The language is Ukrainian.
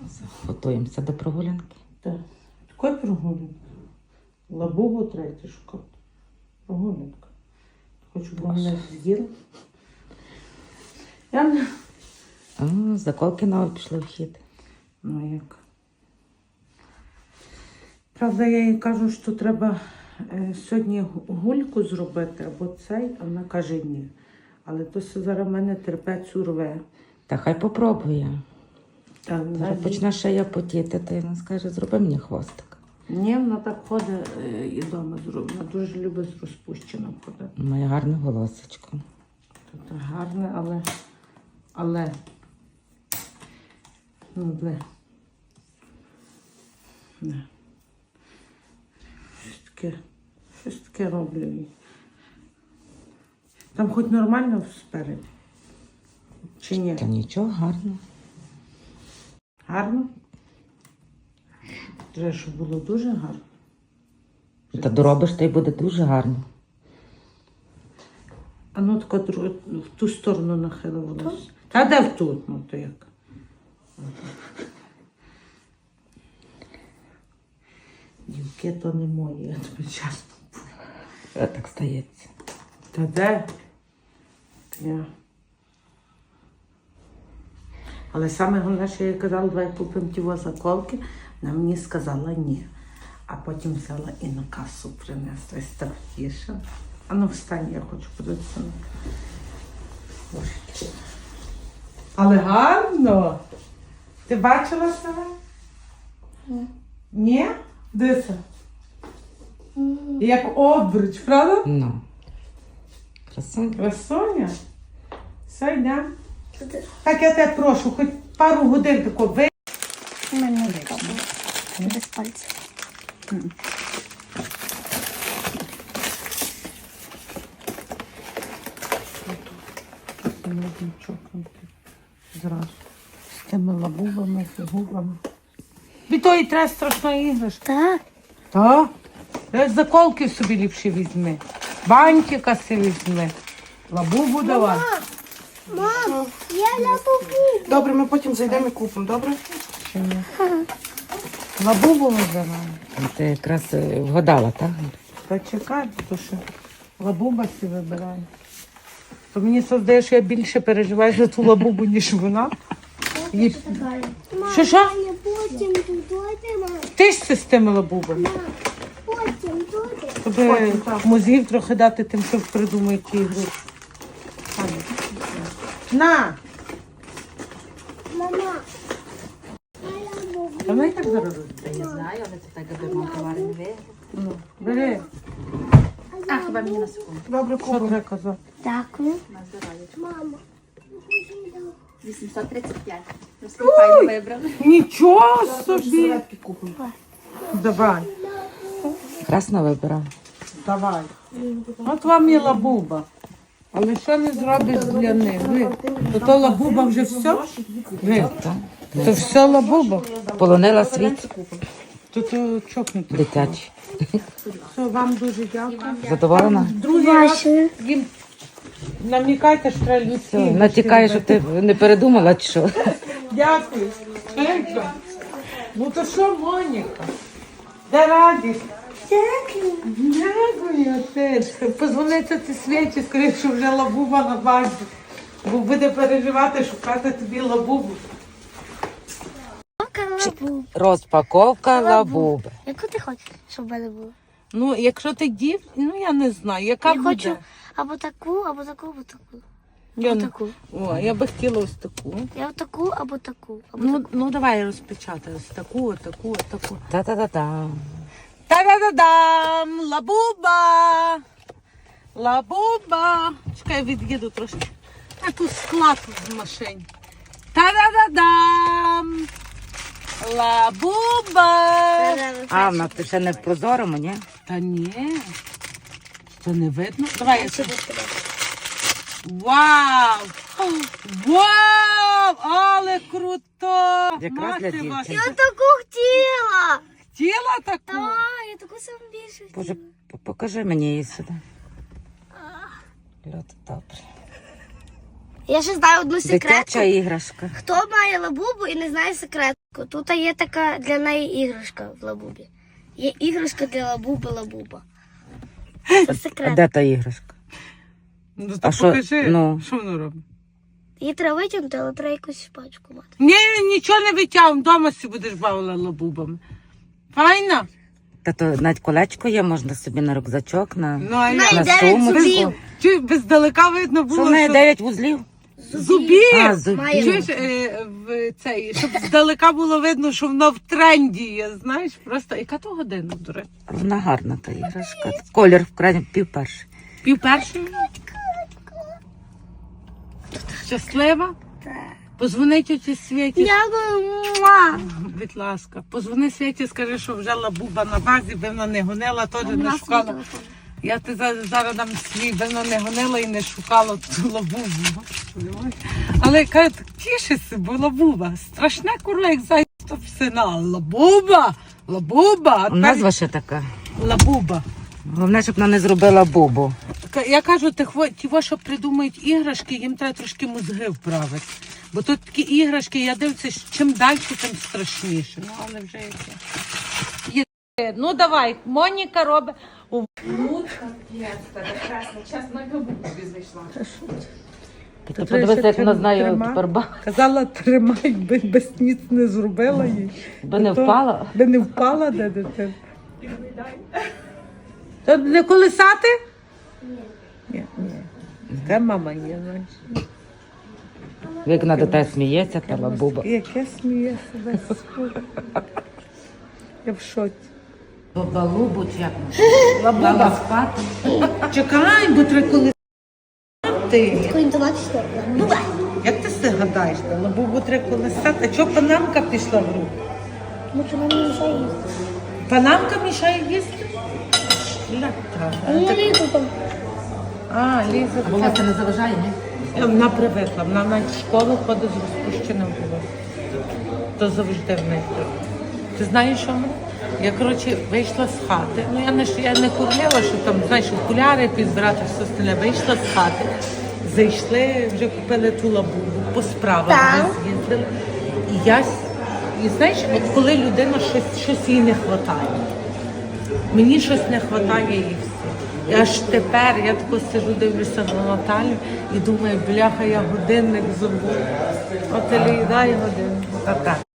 Готуємося до прогулянки. Так. Такої прогулянки. Лабубу третє шукати. Прогулянка. Хочу, щоб мене з'їла. Я не... Заколки нові пішли в хід. Ну як? Правда, я їй кажу, що треба сьогодні гульку зробити або цей, а вона каже ні. Але то все зараз в мене терпець урве. Та хай попробує. Та Зараз почне шия потіти, то вона скаже, зроби мені хвостик. ні, вона так ходить і вдома зробить. Вона дуже любить з розпущеним ходити. Має гарне голосочко. Тут гарне, але ну, бле. Не. Щось таке роблю їй. Там хоч нормально спереді? Чи ні? Та нічого, гарно. Гарно? Треба, щоб було дуже гарно. Та доробиш, то й буде дуже гарно. А ну тако в ту сторону нахилилося. Та де в ту? Ну то як? Дівки то не мої, я тобі чесно. Так стається. Та де? Я. Але саме головне, що я їй казала, давай купимо ті заколки, вона мені сказала ні. А потім взяла і на касу принесла і страхіше. А ну встань, я хочу подивитися. Боже. Але гарно. Ти бачила себе? Ні? Дивися. Як обруч, правда? Ну. Красиво. Красуня? Все, йдемо. Так, я тебе прошу, хоч пару годин тако ви. У мене така була. Без пальців. Зразу. З тими лабубами, фігурами. Від тої треба страшна іграшка. Так. Так? Заколки собі ліпше візьми. Бантика си візьми. Лабубу давай. Мам, я лабубу. Добре, ми потім зайдемо і купимо, добре? Чи ні? Лабубу вибираємо. Ти якраз вгадала, так? Та чекай, то що лабуба си вибирає. То мені здає, що я більше переживаю за ту лабубу, ніж вона. І... Що? Я потім додому. Ти ж це з тими лабубами. Потім додому. Тобі мозгів трохи дати тим, що придумає ті ігри. На! Мама. Я лабубу. Та вона і так зараз робить. Не знаю, але це так, аби мав товар не виграв. Ну, бери. А, хіба мені на секунду? Добре, Що купимо. треба казати? Дякую. На здоров'я. Мама. 835. Просто файно вибрали. Нічого собі! Серветки купимо. Давай, Красно вибирав. давай. От вам і лабуба. Але що не зробиш для них? Ви, то лабуба вже все? Ви, то все лабуба? Полонила світ То чокнути. дитячий. Все, вам дуже дякую. Задоволена? Другий раз їм намікайте, що треба людські. Натякає, що ти не передумала, чи що? Дякую. Чека. Ну то що, Моніка? Де радість? Дякую. Дякую, теж. Позвониться ці свічі, скажи, що вже лабуба на базі. Бо буде переживати, шукати тобі лабубу. Лабубу. Розпаковка лабуби. Яку ти хочеш, щоб в мене було? Ну, якщо ти дів, ну я не знаю, яка Я буде. хочу або таку, або таку, або таку. Я не- Отаку. О, я би хотіла ось таку. Я отаку, або таку. Або Ну давай розпечатай ось таку, отаку, отаку. Та-та-та-та. Та-да-да-дам! Лабуба! Лабуба! Чекай, від'їду трошки. А тут склад в машині. Та-да-да-дам! Лабуба! А, вона ти ще не в прозорому, ні? Та ні. Це не видно? Давай я це. Вау! Вау! Але круто! Якраз для Мати дівчинки. ваша. Я таку хотіла. Хотіла таку? Так, я таку сам більше Боже, хотіла. покажи мені її сюди. Льот, добре. Я ще знаю одну Дитяча секретку. іграшка. Хто має лабубу і не знає секретку? Тут є така для неї іграшка в лабубі. Є іграшка для лабуба. Це А секрет. де та іграшка? Ну, А то що, покажи, ну? що воно робить. Її треба витягнути, але треба якусь пачку мати. Ні, нічого не витягну, вдома си будеш бавила лабубами. Файна? Та то навіть колечко є, можна собі на рюкзачок, на, Ну, а Вона я... йде від сумочку. зубів. Чуй, бездалека видно Що було, в неї що 9 вузлів? зубів. А, зубів. Має. Чуєш, в цей, щоб здалека було видно, що воно в тренді є, знаєш, просто, яка то година, до речі? Вона гарна та іграшка. Колір в крайній пів-перший. Пів першої? Щаслива? Так. Позвони тьоті Світі. Дякую. Будь ласка, позвони Світі, скажи, що вже лабуба на базі, би вона не гонила, теж не шукала. Я ти зараз дам свій, би вона не гонила і не шукала ту лабубу. Але каже, тішися, бо лабуба. Страшне курва, як зайця в сина. Лабуба, лабуба. А тепер Назва ще така. лабуба. Головне, щоб вона не зробила бубу. Я кажу, ті, що придумають іграшки, їм треба трошки мозги вправити. Бо тут такі іграшки, я дивлюся, чим далі, тим страшніше. Ну, але вже яке. Ну, давай, Моніка робить. Ти подивися, як вона знає тепер Казала, тримай, би без ніц не зробила їй. би не впала. Би не впала, де дитина. То не колисати? Ні. Така мама є, знаєш. Як вона до тебе сміється, та лабуба. Яке сміє себе. Я в шоці. Лабубу чи як? Лабуба. спати. Чекай, бо треба колисати. Таку інтонацію. Бувай. Як ти це гадаєш? Лабубу треба колисати. А чого панамка пішла в руку? Ну, чому мені мішає їсти? Панамка мішає їсти? Ну, літо там. А, Ліза. Волосся не заважає, ні? Вона привикла, вона навіть в школу ходить з розпущеним волоссям. То завжди в неї. Ти знаєш, що мене? Я, коротше, вийшла з хати. Ну, я не курила, що там, знаєш, окуляри підбирати, все остальне. Вийшла з хати, зайшли, вже купили ту лабубу, по справах Так. ми з'їздили. І знаєш, от коли людина щось їй не вистачає. Мені щось не вистачає і все. І аж тепер я тако сиджу, дивлюся на Наталю і думаю, бляха, я годинник забула. От і дай годинник.